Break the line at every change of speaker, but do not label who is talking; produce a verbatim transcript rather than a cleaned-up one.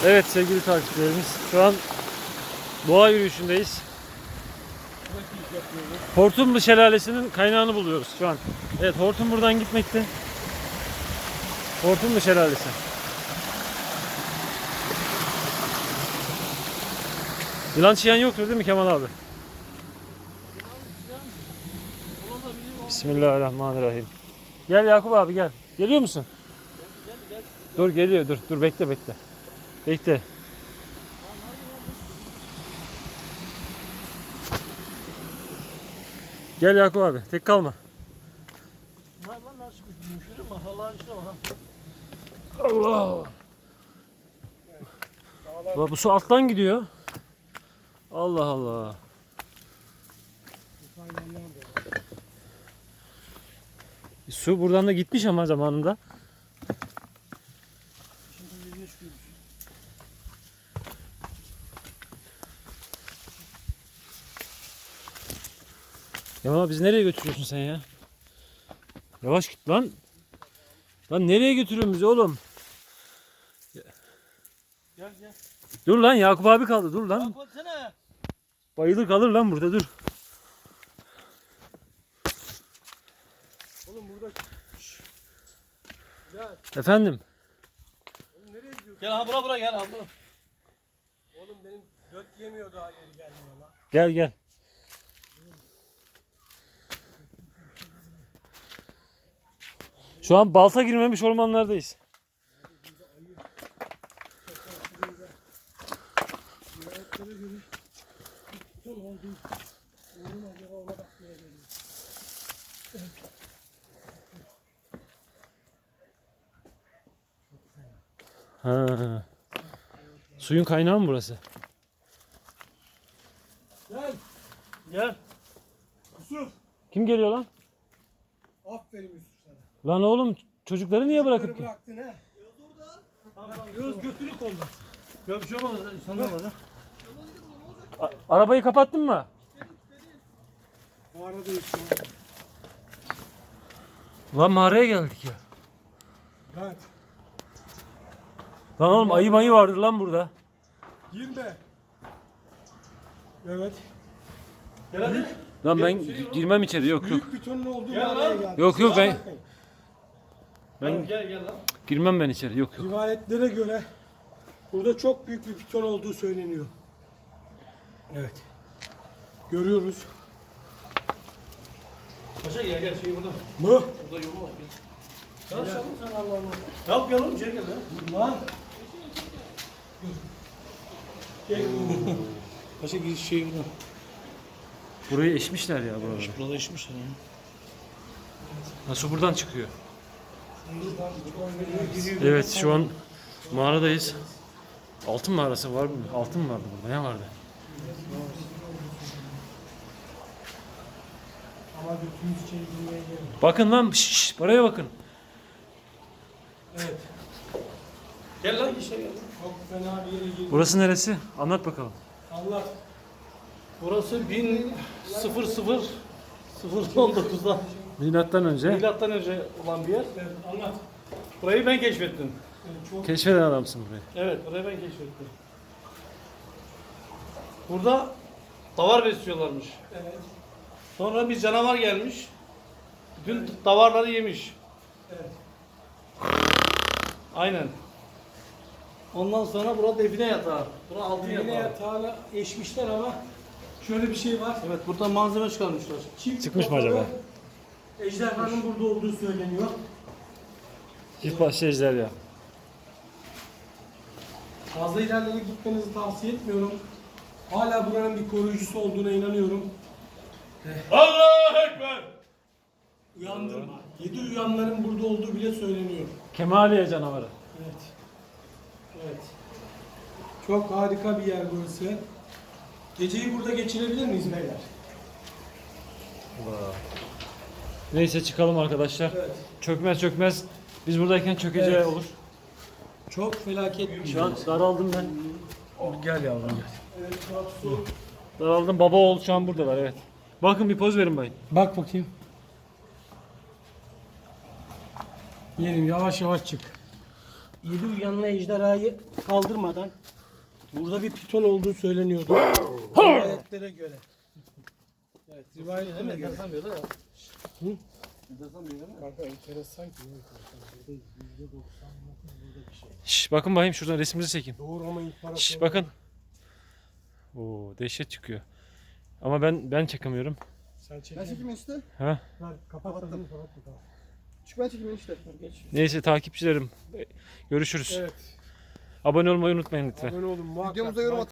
Evet sevgili takipçilerimiz, şu an doğa yürüyüşündeyiz. Hortumlu Şelalesi'nin kaynağını buluyoruz şu an. Evet, hortum buradan gitmekte. Hortumlu Şelalesi. Yılan çiyan yoktur değil mi Kemal abi? Bismillahirrahmanirrahim. Gel Yakup abi gel. Geliyor musun? Dur geliyor, dur dur bekle bekle. Bekle. Gel Yakup abi, tek kalma. Allah. Bak bu su alttan gidiyor. Allah Allah. Su buradan da gitmiş ama zamanında. Ya biz nereye götürüyorsun sen ya? Yavaş git lan. Lan nereye götürüyorsun bizi oğlum?
Gel gel.
Dur lan Yakup abi kaldı, dur lan.
Yakup sene.
Bayılır kalır lan burada, dur.
Oğlum burada. Gel.
Efendim.
Oğlum nereye gidiyorsun? Gel ha bura bura gel ha bura. Oğlum benim göt yemiyor daha yeri gelmiyor lan.
Gel gel. Şu an balta girmemiş ormanlardayız. Ha. Suyun kaynağı mı burası?
Gel. Gel. Yusuf.
Kim geliyor lan?
Aferin Yusuf sana.
Lan oğlum çocukları niye bırakıp ki?
Bıraktın he. Göz götünü kolda. Ya bir şey olmaz. İnsanlar var ha.
A- arabayı kapattın mı?
Mağaradayız şu an.
Lan mağaraya geldik ya.
Evet.
Lan oğlum ayı mayı vardır lan burada.
Girme. Evet. Gel hadi.
Lan ben girmem içeri, yok yok.
Büyük bir tonun olduğu mağaraya geldik.
Yok yok ben
Ben gel gel lan.
girmem ben içeri, yok yok.
Rivayetlere göre burada çok büyük bir piton olduğu söyleniyor. Evet. Görüyoruz.
Paşa gel gel şey burada.
Mı?
Burada yolu var. Gel.
Gel. Sen Allah Allah.
Yap gel oğlum içeri gel lan.
Lan. Gel.
Paşa giriş şey burada.
Burayı eşmişler ya buraları.
Burada işmiş ya.
Ha, su buradan çıkıyor. Evet şu an mağaradayız. Altın mağarası var mı? Altın mı vardı burada? Ne vardı?
Ama götümüz içeri girmeye gelmiyor.
Bakın lan, şşş, buraya bakın.
Evet.
Gel lan içeri gel.
Çok fena bir yere girdik.
Burası neresi? Anlat bakalım.
Allah.
Burası bin sıfır sıfır sıfır on dokuzda
Milattan önce
milattan önce olan bir yer.
Evet, anlat.
Burayı ben keşfettim.
Evet, çok
keşfeden adamsın burayı.
Evet, burayı ben keşfettim. Burada davar besliyorlarmış.
evet.
Sonra bir canavar gelmiş. Bütün davarları yemiş.
Evet.
Aynen. Ondan sonra burada define yatağı. Burada altın
Yine
yatağı.
yatağına eşmişler ama şöyle bir şey var.
Evet, buradan malzeme çıkarmışlar.
Çift
Çıkmış mı
kafalı
acaba?
Ejderhanın burada olduğu söyleniyor.
İlk başta ejderha.
Fazla ilerlere gitmenizi tavsiye etmiyorum. Hala buranın bir koruyucusu olduğuna inanıyorum.
Allahu Ekber!
Uyandırma. Yedi uyanların burada olduğu bile söyleniyor.
Kemaliye canavarı.
Evet. Evet. Çok harika bir yer burası. Geceyi burada geçirebilir miyiz beyler?
Neyse çıkalım arkadaşlar.
Evet.
Çökmez çökmez. Biz buradayken çökeceği
Evet.
olur.
Çok felaket bir
Şu an daraldım ben. Gel yavrum gel.
Evet, bak su.
Daraldım, baba oğul şu an buradalar, evet. Bakın bir poz verin bayım.
Bak bakayım. Yerim yavaş yavaş çık. yedi uyanlı ejderhayı kaldırmadan burada bir piton olduğu söyleniyordu. Rivayetlere göre. Evet, rivayetlere göre. Hı? Kanka enteresan ki. yüzde doksan burada bir şey.
Şş, bakın bakayım şuradan resmimizi çekin.
Doğru ama imparator.
Şş, bakın. Oo, dehşet çıkıyor. Ama ben ben çekemiyorum.
Sen
Ben
çekin.
çekeyim enişte.
Ha?
Ver, kapat da kapat da.
Çık ben çekeyim enişte. Geç.
Neyse takipçilerim. Görüşürüz.
Evet.
Abone olmayı unutmayın lütfen.
Abone olun muhakkak.
Videomuza yorum
Like
atın.